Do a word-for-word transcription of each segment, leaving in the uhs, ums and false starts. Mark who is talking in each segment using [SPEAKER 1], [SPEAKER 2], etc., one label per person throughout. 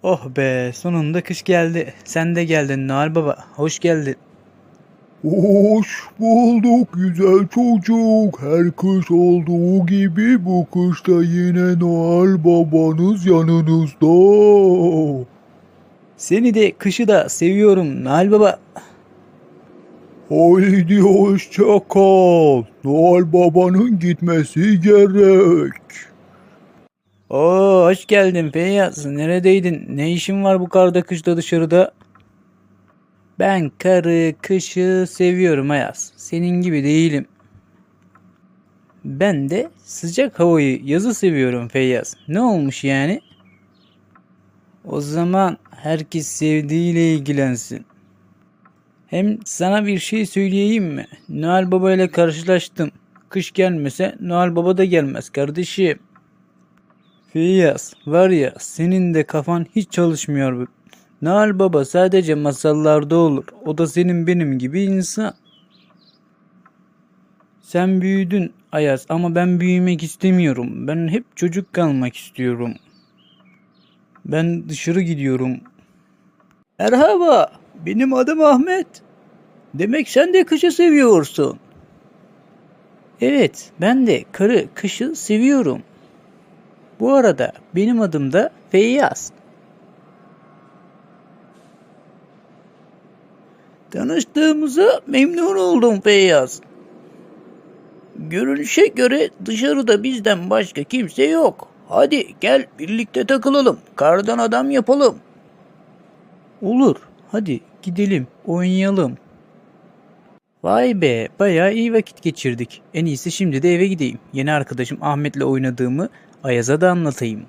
[SPEAKER 1] Oh be, sonunda kış geldi. Sen de geldin Noel Baba. Hoş geldin.
[SPEAKER 2] Hoş bulduk güzel çocuk. Her kış olduğu gibi bu kışta yine Noel babanız yanınızda.
[SPEAKER 1] Seni de kışı da seviyorum Noel Baba.
[SPEAKER 2] Haydi hoşça kal. Noel babanın gitmesi gerek.
[SPEAKER 1] Oo, hoş geldin Feyyaz. Neredeydin? Ne işin var bu karda kışta dışarıda? Ben karı kışı seviyorum Ayaz. Senin gibi değilim. Ben de sıcak havayı, yazı seviyorum Feyyaz. Ne olmuş yani? O zaman herkes sevdiğiyle ilgilensin. Hem sana bir şey söyleyeyim mi? Noel Baba ile karşılaştım. Kış gelmese Noel Baba da gelmez kardeşim. Feyyaz, var ya, senin de kafan hiç çalışmıyor. Noel Baba sadece masallarda olur. O da senin benim gibi insan. Sen büyüdün Ayaz, ama ben büyümek istemiyorum. Ben hep çocuk kalmak istiyorum. Ben dışarı gidiyorum. Merhaba, benim adım Ahmet. Demek sen de kışı seviyorsun. Evet, ben de karı kışı seviyorum. Bu arada benim adım da Feyyaz. Tanıştığımıza memnun oldum Feyyaz. Görünüşe göre dışarıda bizden başka kimse yok. Hadi gel birlikte takılalım. Kardan adam yapalım. Olur. Hadi gidelim, oynayalım. Vay be, bayağı iyi vakit geçirdik. En iyisi şimdi de eve gideyim. Yeni arkadaşım Ahmet'le oynadığımı Ayaz'a da anlatayım.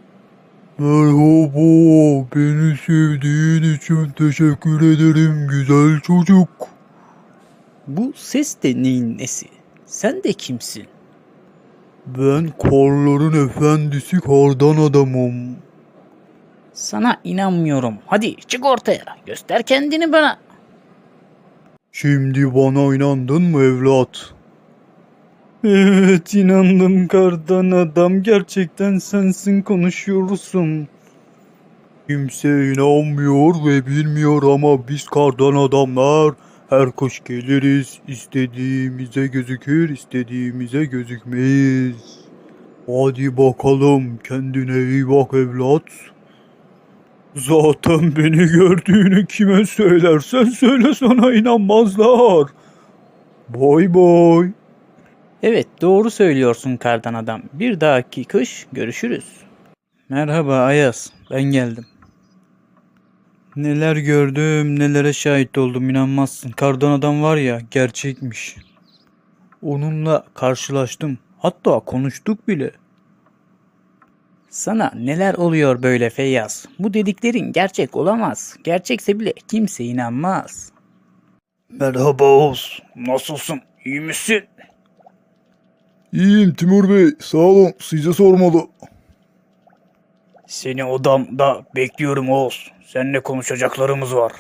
[SPEAKER 2] Merhaba, beni sevdiğin için teşekkür ederim güzel çocuk.
[SPEAKER 1] Bu ses de neyin nesi? Sen de kimsin?
[SPEAKER 2] Ben karların efendisi kardan adamım.
[SPEAKER 1] Sana inanmıyorum. Hadi çık ortaya. Göster kendini bana.
[SPEAKER 2] Şimdi bana inandın mı evlat?
[SPEAKER 1] Evet, inandım kardan adam. Gerçekten sensin, konuşuyorsun.
[SPEAKER 2] Kimse inanmıyor ve bilmiyor ama biz kardan adamlar her kış geliriz, istediğimize gözükür, istediğimize gözükmeyiz. Hadi bakalım, kendine iyi bak evlat. Zaten beni gördüğünü kime söylersen söyle, sana inanmazlar. Bay bay.
[SPEAKER 1] Evet, doğru söylüyorsun kardan adam. Bir dahaki kış görüşürüz. Merhaba Ayaz, ben geldim. Neler gördüm, nelere şahit oldum, inanmazsın. Kardan adam var ya, gerçekmiş. Onunla karşılaştım. Hatta konuştuk bile. Sana neler oluyor böyle Feyyaz? Bu dediklerin gerçek olamaz. Gerçekse bile kimse inanmaz. Merhaba Oğuz. Nasılsın? İyi misin?
[SPEAKER 2] İyiyim Timur Bey, sağ olun, size sormalı.
[SPEAKER 1] Seni odamda bekliyorum Oğuz. Seninle konuşacaklarımız var.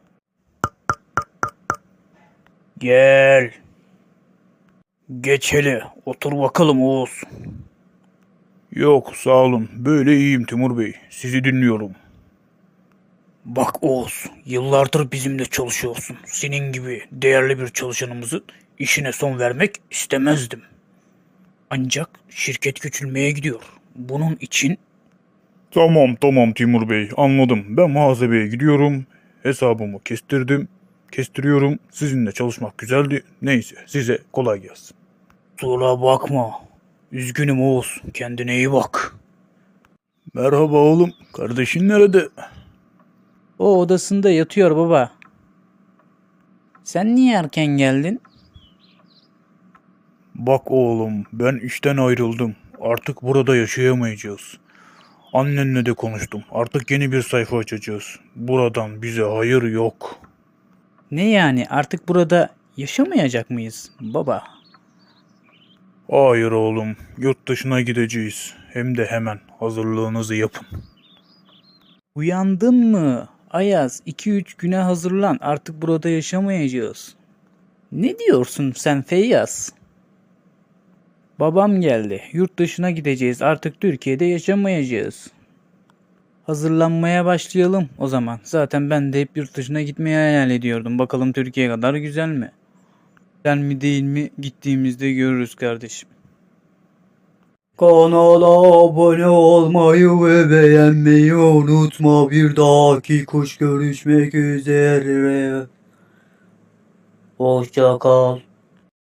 [SPEAKER 1] Gel. Geç hele. Otur bakalım Oğuz.
[SPEAKER 2] Yok sağ olun, böyle iyiyim Timur Bey, sizi dinliyorum.
[SPEAKER 1] Bak Oğuz, yıllardır bizimle çalışıyorsun. Senin gibi değerli bir çalışanımızın işine son vermek istemezdim. Ancak şirket küçülmeye gidiyor. Bunun için
[SPEAKER 2] Tamam tamam Timur Bey, anladım. Ben muhasebeye gidiyorum. Hesabımı kestirdim. Kestiriyorum. Sizinle çalışmak güzeldi. Neyse, size kolay gelsin.
[SPEAKER 1] kusura bakma. Üzgünüm Oğuz. Kendine iyi bak.
[SPEAKER 2] Merhaba oğlum. Kardeşin nerede?
[SPEAKER 1] O odasında yatıyor baba. Sen niye erken geldin?
[SPEAKER 2] Bak oğlum, ben işten ayrıldım. Artık burada yaşayamayacağız. Annenle de konuştum. Artık yeni bir sayfa açacağız. Buradan bize hayır yok.
[SPEAKER 1] Ne yani, artık burada yaşamayacak mıyız baba?
[SPEAKER 2] Hayır oğlum, yurt dışına gideceğiz. Hem de hemen hazırlığınızı yapın.
[SPEAKER 1] Uyandın mı? Ayaz, iki üç güne hazırlan. Artık burada yaşamayacağız. Ne diyorsun sen Feyyaz? Babam geldi. Yurt dışına gideceğiz. Artık Türkiye'de yaşamayacağız. hazırlanmaya başlayalım o zaman. Zaten ben de hep yurt dışına gitmeyi hayal ediyordum. Bakalım Türkiye kadar güzel mi? Güzel mi değil mi gittiğimizde görürüz kardeşim.
[SPEAKER 3] Kanala abone olmayı ve beğenmeyi unutma. Bir dahaki kuş görüşmek üzere. Hoşça kal.